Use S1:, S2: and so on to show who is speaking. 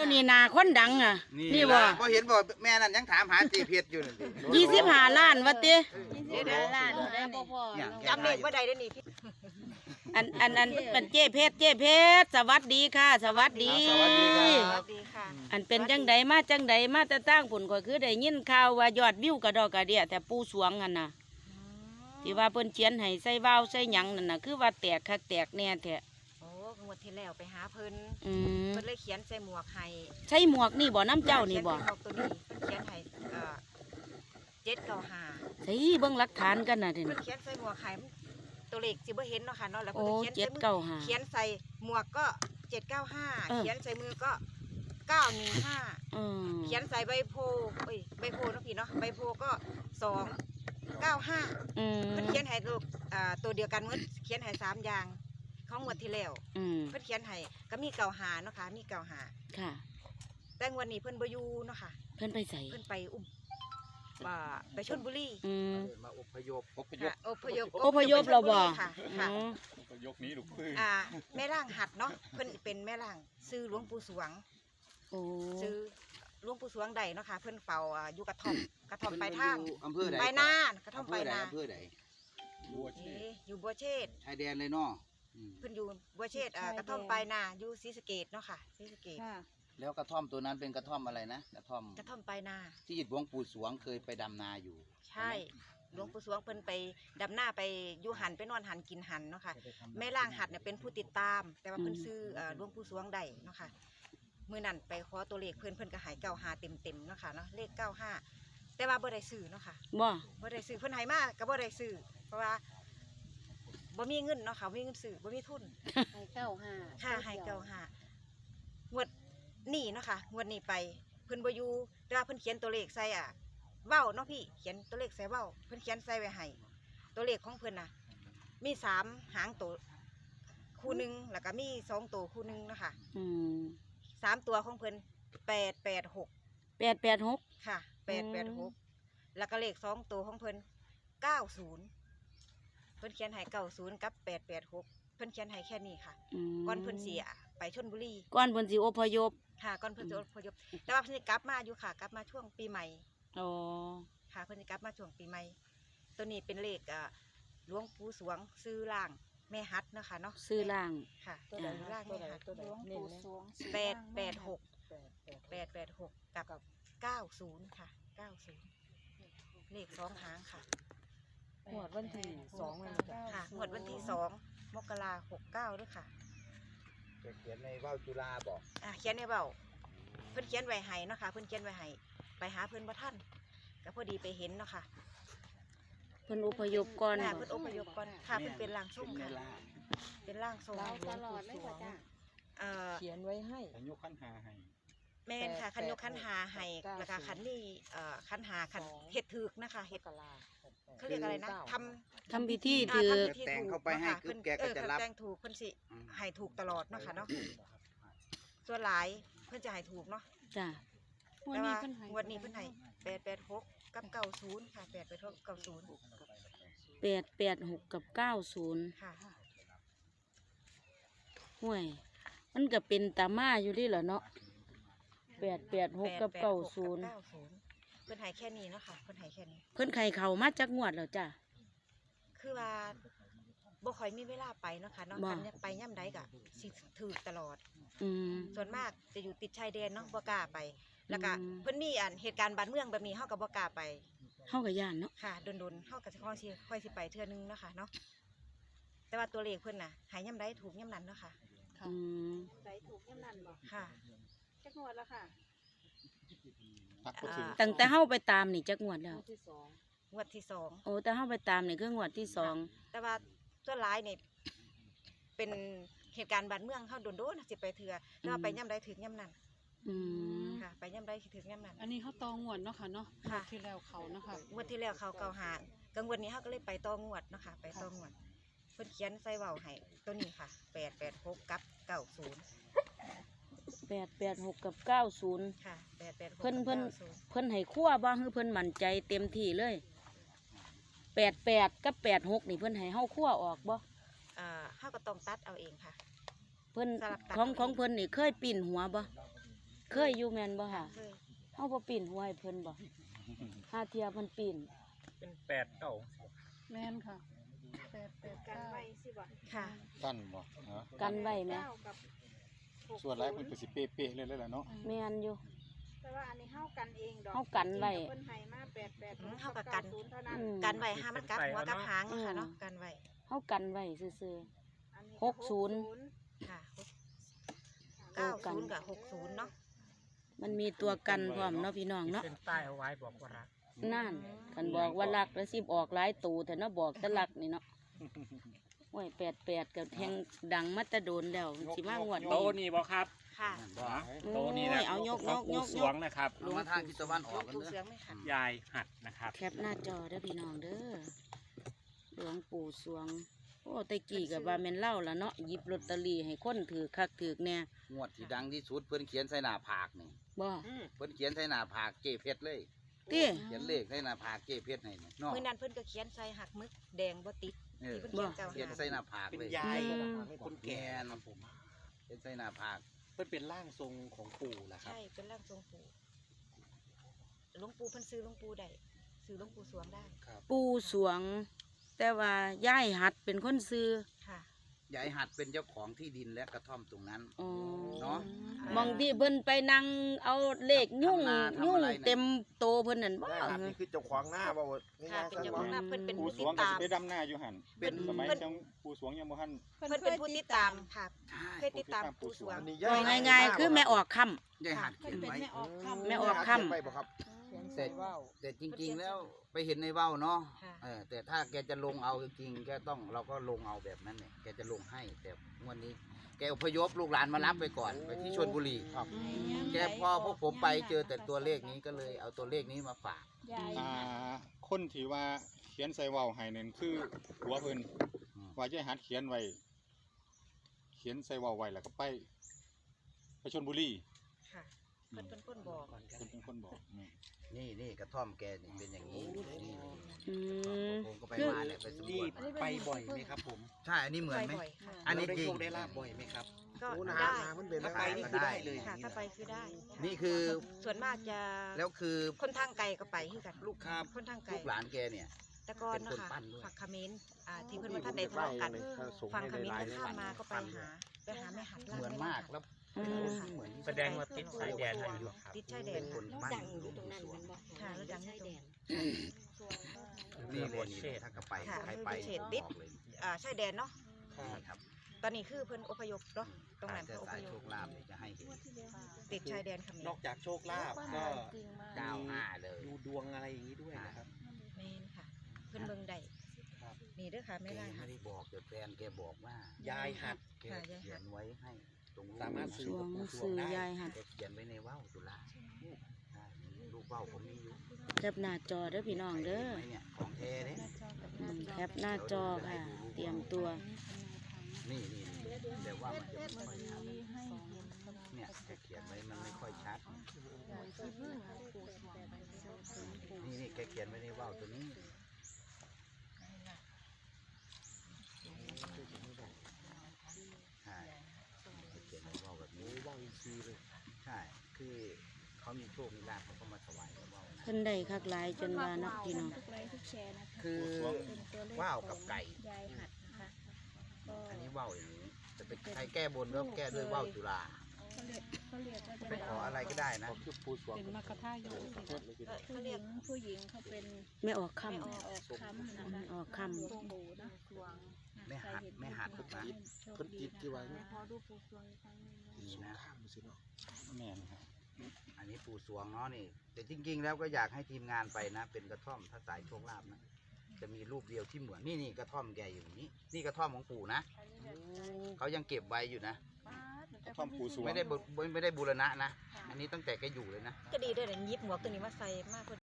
S1: นี่นาคนดังอ่ะนี่บ่
S2: พอเห็นบ่แม่นั่นยังถามหาตีเพชรอยู่นั่นดิ
S1: 25 ล้านว่าติ
S3: ล้านได้บ่พอจำเลขบ่ได้เด้อนี่พี่
S1: อันเป็นเจ้เพชรสวัสดีค่ะ สวัสดี
S2: สวัสดีครับ
S3: ดีค่ะ
S1: อันเป็นจังใดมาแต่ตั้งผลก็คือได้ยินข่าวว่ายอดวิวกระดอกกระเดียแต่ปูสวงกันน่ะที่ว่าเพิ่นเขียนให้ใส่ว่าวใส่หยังนั่นน่ะคือว่าแตกคักแตกแน่แท้
S3: โอ้งวดที่แล้วไปหาเพิ่น
S1: อืม
S3: เพิ่นเลยเขียนใส่หมวกให้
S1: ใช่หมวกนี่บ่น้ำเจ้านี่บ่
S3: เขียใส่หมวกตัวนี้เขียนให้795
S1: ใช่เบิ่งหลักฐานกันน่ะเด้
S3: เพิ่
S1: นี่
S3: นเขียนใส่หมวกให้ตัวเลขสิบ่เห็นเนาะค่ะเนาะแล้ว
S1: โอ้
S3: เพิ่นเขียนใส่มือ
S1: 795
S3: เขียนใส่หมวกก็795เขียนใส่มือก็915
S1: อืม
S3: เขียนใส่ใบโพใบโพเนาะพี่เนาะใบโพก็295
S1: อืม
S3: เพิ่นเขียนให้ลูกตัวเดียวกันเมื่อเขียนให้3อย่างของงวดที่แล้ว
S1: อืม
S3: เพิ่นเขียนให้ก็มีเก่าหาเนาะค่ะมีเก่าหา
S1: ค่ะ
S3: แต่งวดนี้เพิ่นบ่อยู่เนาะค่ะ
S1: เพิ่นไปใส่
S3: เพิ่นไปไปชลบุรี
S1: อืม
S2: มาอพยพ
S3: ค่ะอพยพ
S1: อพยพเราบ่
S3: ค่ะ
S1: อื
S3: ค่ะ
S1: ม
S4: ยกนี้ลูกปืน
S3: แม่ร่างหัดเนาะเพิ่นเป็นแม่ร่างซื้อหลวงปู่สวง
S1: โอ้
S3: ซื้อหลวงปู่สวงใดเนาะค่ะเพิ่นเฝ้าอยู่กระท่อมไปทาง
S2: อำเภอใด
S3: ไปนากระท่อมไปนา
S2: อำเภอใด
S4: บัวเช
S3: อยู่บัวเชษ
S2: ชายแดนเลยเนาะ
S3: เพิ่นอยู่บัวเชษกระท่อมไปนาอยู่ศรีสะเกษเนาะค่ะศรีสะเกษ
S2: แล้วกระท่อมตัวนั้นเป็นกระท่อมอะไรนะกระท่อม
S3: กระท่อมไปนา
S2: ที่หลวงปู่สวงเคยไปดำนาอยู่
S3: ใช่หลวงปู่สวงเพิ่นไปดำหน้าไปอยู่หันไปนอนหันกินหันเนาะค่ะแม่ล่างหัดเนี่ยเป็นผู้ติดตาม แต่ว่าเพิ่นซื้อหลวงปู่สวงได้เนาะค่ะมื้อนั้นไปขอตัวเลขเพิ่นก็ใหาย95เต็มๆเนาะค่ะเนาะเลข95แต่ว่าบ่ได้ซื้อเนาะค่ะ
S1: บ่
S3: บ่ได้ซื้อเพิ่นให้มาก็บ่ได้ซื้อเพราะว่าบ่มีเงินเนาะค่ะบ่มีเงินซื้อบ่มีทุน
S5: ให้เก้าห้า
S3: ค่าให้95งวดนี้เนาะค่ะงวดนี้ไปเพิ่นบ่อยู่แต่ว่าเพิ่นเขียนตัวเลขใส่เว้าเนาะพี่เขียนตัวเลขใส่เว้าเพิ่นเขียนใส่ไว้ให้ตัวเลขของเพิ่นน่ะมี3หางตัวคู่หนึงแล้วก็มี2ตัวคู่หนึงเนาะค่ะ
S1: อืม
S3: 3ตัวของเพิ่น886
S1: 886
S3: ค่ะ886แล้วก็เลข2ตัวของเพิ่น90เพิ่นเขียนให้90กับ886เพิ่นเขียนให้แค่นี้ค่ะ
S1: อืม
S3: ก่อนเพิ่นสิไปชลบุรี
S1: ก่อนเพิ่นสิอพยพ
S3: ค่ะก่อนเพิ่นจะอพยพแต่ว่าเพิ่นสิกลับมาอยู่ค่ะกลับมาช่วงปีใหม่
S1: อ๋อ
S3: ค่ะเพิ่นสิกลับมาช่วงปีใหม่ตัวนี้เป็นเลขหลวงปู่สวงซื้อล่างแม่ฮัดเนาะค่ะเนาะ
S1: ซื้อล่าง
S3: ค่ะ
S1: ตัวไหน
S3: ซื้อล่างแม่ฮัด
S5: หลวงปู่สวง
S3: 886กับ90ค่ะ90เลข2หางค่ะ
S5: หวดวันที่2มัน
S3: ค่ะงวดวันที่2มกราคม69ด้วยค่ะ
S2: เขียนในว่าวจุฬาบอก
S3: เขียนในเบ้าเพิ่นเขียนไว้ให้เนาะค่ะเพิ่นเขียนไว้ให้ไปหาเพิ่นบ่ทันก็พอดีไปเห็นเนาะค่ะ
S1: เพิ่นอพยพก่อน
S3: ค่ะ
S1: บ่
S3: เพิ่นอพยพก่อนค่ะเพิ่นเป็นร่างทรงค่ะเป็นร่างทรง
S5: เราตลอดเลยว่าจ้า
S6: เขียนไว้ให้
S4: ขันยกขันหาให้
S3: แม่นค่ะคันยกคันหาให้แล้วก็คันนี้คันหาคันเฮ็ดถึกนะคะเฮ็ดเขาเรียกอะไรนะทำ
S1: พิธี
S3: ท
S1: ถือ
S3: ำพิธี
S2: แต่ง
S3: ถูก
S2: เข้าไปให้
S3: นะคะ
S2: คือแกก็จะรับ
S3: แต่งถูกเพิ่นสิให้ถูกตลอดเนาะค่ะเนาะส่วนหลายเพิ่นจะให้ถูกเนาะ
S1: จ้ะ
S3: แต่ว่างวดนี้เพิ่นให้886กับ90ค่ะ886 90
S1: 886กับ90
S3: ค่ะ
S1: ห่วยมันก็เป็นตามาอยู่นี่เหรอเนาะ886กับ90
S3: เพิ่นให้แค่นี้เนาะค่ะเพิ่นให้แค่นี้
S1: เพิ่นไข่เขามาจากงวดแล้วจ้ะ
S3: คือว่าบ่ค่อยมีเวลาไปเนาะค่ะเนาะ
S1: บ่
S3: คันไปย่ำใดก็สิถูกตลอด
S1: อืม
S3: ส่วนมากจะอยู่ติดชายแดนเนาะบ่กล้าไป แล้วก็
S1: อืม
S3: เพิ่นมีเหตุการณ์บ้านเมืองแบบนี้เฮาก็บ่กล้าไป
S1: เฮาก็ย่านเนาะ
S3: ค่ะดนๆเฮาก็สิค่อยสิไปเทื่อนึงเนาะค่ะเนาะแต่ว่าตัวเลขเพิ่นน่ะหายย่ำใดถูกย่ำนั้นเนาะค่ะ
S1: อืม
S5: ใส่ถูกยังนั่นบ่
S3: ค่ะ
S5: จักงวดแล้วค่ะ
S4: พักก็ถึง
S1: ตั้งแต่เฮาไปตามนี่จักงวดแล้ว
S5: งวดที่สอง
S3: งวดที่สอง
S1: โอ้แต่เฮาไปตามนี่คืองวดที่สอง
S3: แต่ว่าส่วนหลายนี่เป็นเหตุการณ์บ้านเมืองเฮาโดนๆสิไปเทื่อแต่ว่าไปย่ำใดถึงย่ำนั้น
S1: อืม
S3: ค่ะ ไปย่ำใดถึงย่ำนั้น
S6: อันนี้เขาตองวดเนาะค่ะเนาะ
S3: ค่ะ
S6: งวดที่แล้วเขาเนาะค่ะ
S3: งวดที่แล้วเขาเก่าหากังวดนี้เขาก็เลยไปต่องวดเนาะค่ะไปต่องวดเพิ่นเขียนใส่เว้าให้ตัวนี้ค่ะ886กับ90
S1: 886กับ90
S3: ค่ะ886
S1: เพิ่น
S3: กับ90
S1: เพิ่นให้คั่วบ่คือเพิ่นมั่นใจเต็มที่เลย88กับ86นี่เพิ่นให้เฮาคั่วออกบ่
S3: เฮาก็ต้องตัดเอาเองค่ะ
S1: เพิ่น
S3: สลับตัด
S1: ของเพิ่นนี่เคยปิ่นหัวบ่เคยอยู่แม่นบ่ค่ะ
S3: เคย
S1: เฮาบ่ปีนหัวให้เพิ่นบ่หาเที่ยเพิ่นปีน
S7: เป็นแปดเก้า
S6: แม่นค่ะ8 8
S5: กันไว้
S6: 9
S5: สิบ่
S3: ค่ะ
S4: ตั้นบ่ฮะ
S1: กันไว้แหม
S5: เก้ากับหก
S4: ส่วนหลายเพิ่นก็สิเป๊ะๆเลยแหละเนาะ
S1: แม่นอยู่
S5: แต่ว่าอันนี้เฮากันเองดอก
S1: เฮากันไว้
S5: เพิ่นให้มา88
S3: เฮาก็กัน
S5: 90เท่านั้น
S1: อืม
S3: กันไว้ห้ามมันกัดหัวกับหางนะคะเนาะกันไว้
S1: เฮากันไว้ซื่อ
S5: อันนี้
S1: 60
S3: ค่ะ
S1: โอ้กัน
S3: 90กับ60เนาะ
S1: ๆมันมีตัวกันพร้อมเนาะพี่น้องเนาะ
S7: เส้นใต้เอาไว้บอกว่ารัก
S1: นั่นคันบอกว่ารักแล้วสิออกหลายตูแต่เนาะบอกแต่รักนี่เนาะโอ้ย88ก็แทงดังมาแตะโดนแล้วสิมางวด
S7: โต
S1: นี้
S7: นี่บอกครับ
S3: ค่ะ
S7: โตนี่นะ
S1: โอ้ยเอายก
S7: ของ
S1: ย
S7: ปู่
S1: ก
S7: สวงนะครับ
S2: เอามาทางทิศตะวันออกกัน
S3: ปู
S2: เด้
S3: เสื
S2: อ
S3: องไม่ค่ะ
S7: ยายหัดนะครับ
S1: แคปหน้าจอเด้อพี่น้องเด้อหลวงปู่สวง โอ้แตะกี้กับว่าแม่นเล่าละเนาะหยิบลอตเตอรี่ให้คนถือคักถือแน่
S2: งวดที่ดังที่สุดเพิ่นเขียนใส่หน้าผากนี่
S1: บ่
S2: เพิ่นเขียนใส่หน้าผากเจเพชรเลย
S1: ติ
S2: เขียนเลขใส่หน้าผากเจเพชรให้นี่เนาะ
S3: มื้อนั้นเพิ่นก็เขียนใส่หักมึกแดงบ่ติด
S2: เออ
S3: ที่เพิ่นเขียนเจ้า
S2: เขียน
S3: หา
S2: ใส่หน้าผาก
S8: เป็น
S2: เลย
S8: ยาย
S1: อืม
S8: คนแก่นะ
S2: ผม เขียนใส่หน้าผาก
S8: เพื่อนเป็นร่างทรงของปู่แหละครับ
S3: ใช่เป็นร่างทรงปู่หลวงปู่เพิ่นซื้อหลวงปู่ได้ซื้อหลวงปู่สวงได้
S1: ปู่สวง แต่ว่าย่ายหัดเป็นคนซื้อ
S3: ค่ะ
S2: ยายหัดเป็นเจ้าของที่ดินและกระท่อมตรงนั้น
S1: อ๋อ
S2: เนาะ
S1: มองที่เพิ่นไปนั่งเอาเลขยุ่ง
S2: ทำนาทำ
S1: ยุ่ง
S2: อะไรน่ะ
S1: เต็มโตเพิ่นนั่นบ่
S8: นี่คือเจ้าของหน้าบ่าว
S3: ค่ะเป็นเจ้าของหน้าเพิ่นเป็น
S4: ปู่
S3: ผู้
S4: ส
S3: ติ
S4: ว
S3: ด
S4: งก็
S3: ตา
S4: สิ
S3: ม
S4: ไปดำนาอยู่หั่น
S2: เป็น
S4: สมัย
S3: เพิ่น
S4: จังปู่สวงยังบ่ทัน
S3: เพิ่นเป็นผู้ติดตามค่ะ
S2: ใช่
S3: เคยติดตามปู่สวง
S1: บอกง่ายๆคือแม่ออกค่ำ
S2: ยายหัดเขียนไว้
S1: แม่ออกค่ำ
S8: ไปบ่ครับ
S2: แต่แต่จริงๆแล้วไปเห็นในเว้าเนาะ
S3: ค่ะ
S2: แต่ถ้าแกจะลงเอาจริงๆแกต้องเราก็ลงเอาแบบนั้นเนี่ยแกจะลงให้แต่งวันนี้ แกอพยพลูกหลานมารับไปก่อนไปที่ชลบุรี
S8: ครับ
S2: แกพอพวกผมไปเจอแต่ตัวเลขนี้ก็เลยเอาตัวเลขนี้มาฝาก
S4: คนที่ว่าเขียนใส่เว้าให้นั่นคือหัวเพิ่น
S2: อืม
S4: ว่าจะหัดเขียนไว้ เขียนใส่เว้าไว้แล้วก็ไปชลบุรี
S3: ค่ะเพิ่นเป็นคนบอก
S4: เพิ่นเป็นคนบอกอืม
S2: นี่กระท่อมแกนี่เป็นอย่างนี้นี่
S1: อืม
S2: ผมก็ไป
S1: คือ
S2: มาเนี่ยไปสำร
S8: นี่
S2: วจมา
S8: ไปบ่อยไหมครับผม
S2: ใช่อันนี้เหมือนไหม
S3: บ่อยๆค่ะ
S2: อันนี้
S8: เราได้
S2: จริง
S8: โชคได้ลาบบ่อยไหมครับ
S3: ก็
S8: โอ้
S3: ได้
S8: ถ้าไปนี่คือได้เลย
S3: ค่ะถ้าไปคือได้
S2: นี่คือ
S3: ส่วนมากจะ
S2: แล้วคือ
S3: คนทางไกลก็ไปคือกัน
S2: ลูกค้า
S3: คนทางไกล
S2: ลูกหลานแกเนี่ย
S3: แต่ก่อน
S2: เป็น
S3: เนาะ
S2: คน
S3: ค่ะ
S2: ปั้นด้วย
S3: ฝั่งเขมรที่เพิ่นว่าท่านใดทะเลาะกันฝั่งเขมรก็ข้ามมาก็ไปหาแม่หัด
S2: เหมือนมากแล้ว
S1: อืม
S2: เหมือนที่
S7: แสดงว่าติดสายแดนให้อยู่ครับ
S3: ติดชายแด
S2: เป็น นคน
S3: ค่ะ
S2: ปั้นหลวงปู่สวง
S3: ค่ะแล้วดังที่ตรง
S2: นี่เลยนี่ถ้ากลับไป
S3: ค่ะ
S2: ใครไป
S3: เขตติด
S2: บอกเลย
S3: ชายแดนเนาะ
S2: นี่ครับ
S3: ตอนนี้คือเพิ่นอพยพเนาะตรงนั้น
S2: ถ้า
S3: เพิ่นอ
S2: สา
S3: พ
S2: ย
S3: ย
S2: โช
S3: พ
S2: คลาภเนี่ยจะให้เห็น
S3: ติดชายแดนเขมร
S8: นอกจากโชคลาภก็
S2: 95เลย
S8: ดูดวงอะไรอย่างนี้ด้วยนะครับ
S3: แม่นค่ะ เพิ่นเบิ่งได้
S8: ครับ
S3: นี่เด้อค่ะ
S2: แก
S3: ไม่ได้
S2: ไม่
S3: ค่ะ
S2: ได้บอกแต่แฟนแกบอกว่าย
S8: ายหัด
S2: แกเขียนไว้ให้ตรงรูป
S8: สามารถ
S1: สวงซื้อยายหัด
S2: แกเขียนไว้ในว่าวจุฬาใช่ลูกว่าวผมมีอยู่
S1: แคปหน้าจอเด้อพี่น้องเด้อ
S2: ห็นไหมเนี่ยของแท้เนี่ย
S1: แคปหน้าจอค่ะ เตรียมตัว
S2: นี่แต่ว่ามันจะไม่ค่อยชัดเนี่ยแกเขียนไว้มันไม่ค่อยชัดนี่แกเขียนไว้ในว่าวตัวนี้ใช่แกเขียนในว่าวแบบนี้ว่าวอินทรีย์เลยใช่คือเขามีโชคมีลาภเขาก็มาถวายในว่าวนะ
S1: เพิ่นได้คักหลายจนว่าเนาะพี่น้อง
S5: ทุกไลค์ทุกแชร์นะคะ
S2: คือว่าวกับไก่
S5: ยายหัดนะคะก็
S2: อันนี้ว่าวอย่างนี้จะเป็นใครแก้บนก็แก้ด้วยว่าวจุฬา
S5: เขาเรียกว่าจะ
S2: ไปขออะไรก็ได้นะ
S4: คือปู่สวง
S6: เป็นมรรคทายก
S5: ผู้หญิงผู้หญิงเขาเป็น
S1: ไม่ออกค่
S5: ไม่ออกคำนะคะ
S1: ำออกค่ำ
S5: หลวงปู่นะสวง
S2: แม่หัดแม่หัดทุกนะ
S8: เพิ่นติดที่ไว้นะ
S5: พอดูปู่สวงอีกครั้งหนึงนะ
S2: นี่นะ
S4: แม่นครับ
S2: อันนี้ปู่สวงเนาะนี่ แต่จริงๆแล้วก็อยากให้ทีมงานไปนะ เป็นกระท่อมถ้าสายโชคลาภนะ จะมีรูปเดียวที่เหมือนนี่กระท่อมแกอยู่นี้ นี่กระท่อมของปู่นะเขายังเก็บไว้อยู่นะ
S4: กระท่อมปู่สวง
S2: ไม่ได้บูรณะนะ อันนี้ตั้งแต่แกอยู่เลยนะ
S3: ก็ดีเด้อเนี่ยหยิบหมวกตัวนี้มาใส่มาก